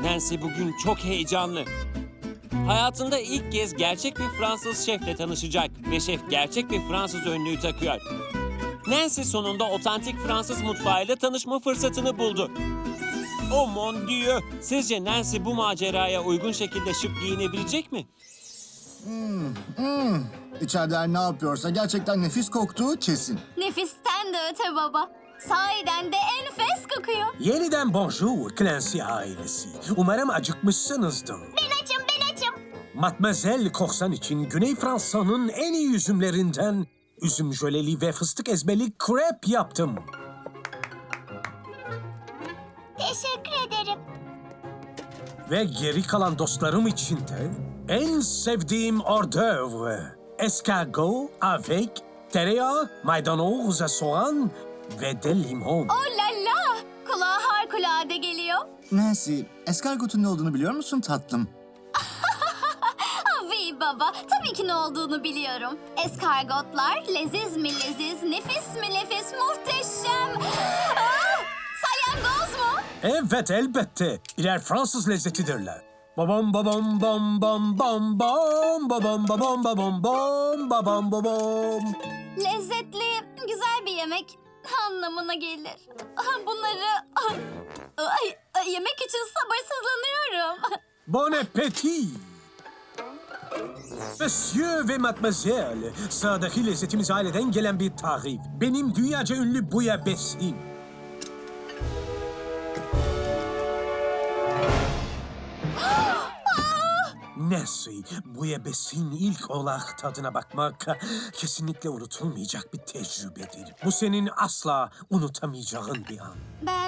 Nancy bugün çok heyecanlı. Hayatında ilk kez gerçek bir Fransız şefle tanışacak ve şef gerçek bir Fransız önlüğü takıyor. Nancy sonunda otantik Fransız mutfağıyla tanışma fırsatını buldu. Oh mon Dieu! Sizce Nancy bu maceraya uygun şekilde şık giyinebilecek mi? İçeride ne yapıyorsa gerçekten nefis koktuğu kesin. Nefisten de öte baba. Sahiden de enfes kokuyor. Yeniden bonjour Clancy ailesi. Umarım acıkmışsınızdır. Ben açım. Mademoiselle Korsan için Güney Fransa'nın en iyi üzümlerinden üzüm jöleli ve fıstık ezmeli krep yaptım. Teşekkür ederim. Ve geri kalan dostlarım için de en sevdiğim hors d'oeuvre. Escargot avec tereyağı, maydanoz, soğan ve de limon. Oh la la! Kulağa harikulade geliyor. Nancy, eskargotun ne olduğunu biliyor musun tatlım? Avi baba, tabii ki ne olduğunu biliyorum. Eskargotlar leziz mi leziz, nefis mi nefis, muhteşem. Salyangoz mu? Evet elbette. Birer Fransız lezzetidirler. Babam babam bam bam bam bam babam babam babam bam babam babam. Lezzetli, güzel bir yemek anlamına gelir. Bunları yemek için sabırsızlanıyorum. Bon appétit. Monsieur ve mademoiselle, sağdaki lezzetimiz aileden gelen bir tarif. Benim dünyaca ünlü bouillabaisse'im. Nancy, bouillabaisse'in ilk olarak tadına bakmak kesinlikle unutulmayacak bir tecrübedir. Bu senin asla unutamayacağın bir an.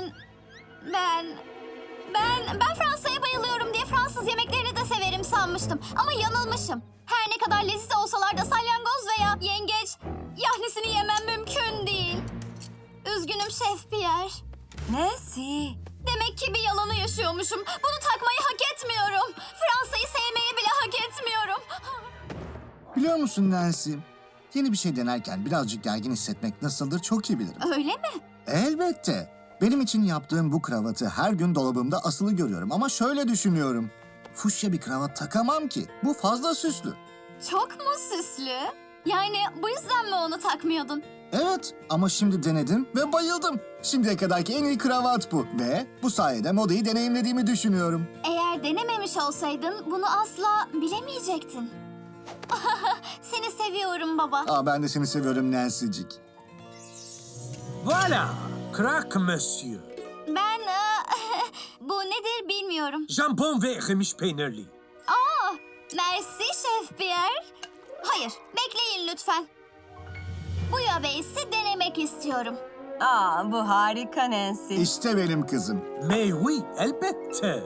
Ben Fransa'ya bayılıyorum diye Fransız yemeklerini de severim sanmıştım. Ama yanılmışım. Her ne kadar leziz olsalar da salyangoz veya yengeç yahnisini yemem mümkün değil. Üzgünüm Şef Pierre. Nancy. Demek ki bir yalanı yaşıyormuşum. Bunu takmayı hak etmiyorum. Fransa'yı sevmeyi bile hak etmiyorum. Biliyor musun Nancy? Yeni bir şey denerken birazcık gergin hissetmek nasıldır çok iyi bilirim. Öyle mi? Elbette. Benim için yaptığım bu kravatı her gün dolabımda asılı görüyorum ama şöyle düşünüyorum. Fuşya bir kravat takamam ki. Bu fazla süslü. Çok mu süslü? Yani bu yüzden mi onu takmıyordun? Evet ama şimdi denedim ve bayıldım. Şimdiye kadarki en iyi kravat bu. Ve bu sayede modayı deneyimlediğimi düşünüyorum. Eğer denememiş olsaydın bunu asla bilemeyecektin. Seni seviyorum baba. Ben de seni seviyorum Nancy'cik. Voilà, craque monsieur. Ben bu nedir bilmiyorum. Jambon ve erimiş peynirli. Merci Şef Pierre. Hayır, bekleyin lütfen. Bu yabeys'i denemek istiyorum. Bu harika Nancy. İşte benim kızım. Mais oui, elbette.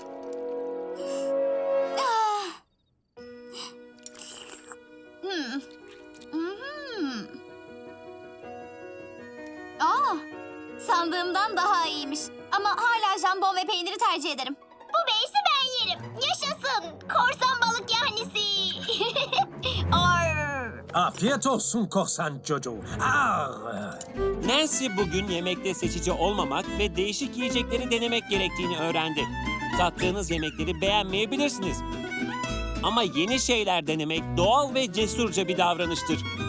Sandığımdan daha iyiymiş. Ama hala jambon ve peyniri tercih ederim. Bu beysi ben yerim. Yaşasın. Korsan balık yahnisi. Afiyet olsun korsan çocuğu. Nancy bugün yemekte seçici olmamak ve değişik yiyecekleri denemek gerektiğini öğrendi. Tattığınız yemekleri beğenmeyebilirsiniz. Ama yeni şeyler denemek doğal ve cesurca bir davranıştır.